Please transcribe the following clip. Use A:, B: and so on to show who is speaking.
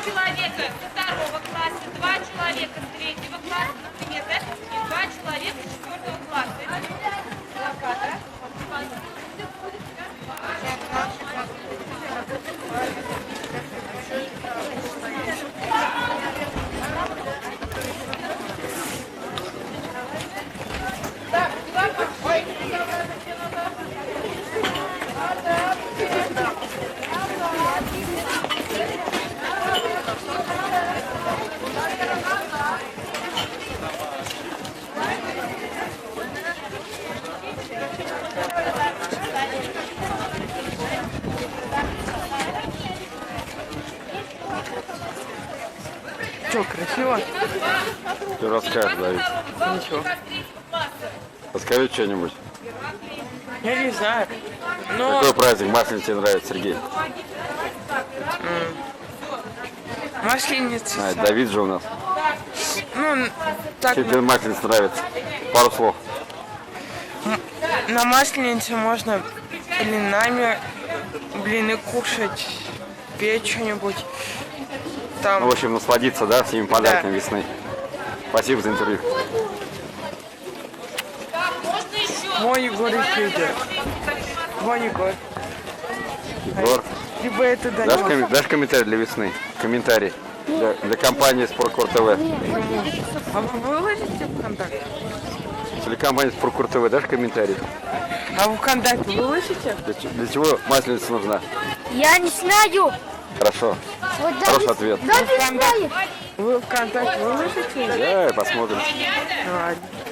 A: человека со второго класса, 2 человека с третьего класса, например, да, и 2 человека с четвертого класса. Это плакат,
B: Что, красиво?
C: Ты расскажешь, Давид.
B: Ничего.
C: Расскажи что-нибудь.
B: Я не знаю. Но
C: Какой праздник Масленица тебе нравится, Сергей?
B: масленица.
C: А, Давид же у нас.
B: Ну, так,
C: Чем тебе Масленица нравится? Пару слов.
B: на масленице можно блины кушать, петь что-нибудь.
C: Ну,
B: Там,
C: в общем, насладиться, да, всеми подарками весны. Спасибо за интервью.
A: можно еще?
B: мой Егор и Федя. Мой Егор.
C: Егор,
B: Либо это
C: дашь комментарий для весны? Комментарий для компании Спорткор ТВ.
B: А вы выложите в ВКонтакте?
C: Телекомпания Спорткор ТВ, дашь комментарий?
B: А вы ВКонтакте выложите?
C: Для чего Масленица нужна?
D: Я не знаю.
C: Хорошо.
D: Вот
C: Хороший ответ.
D: Давид знает.
B: Вы ВКонтакте выложите?
C: Да, посмотрим.
B: Ладно.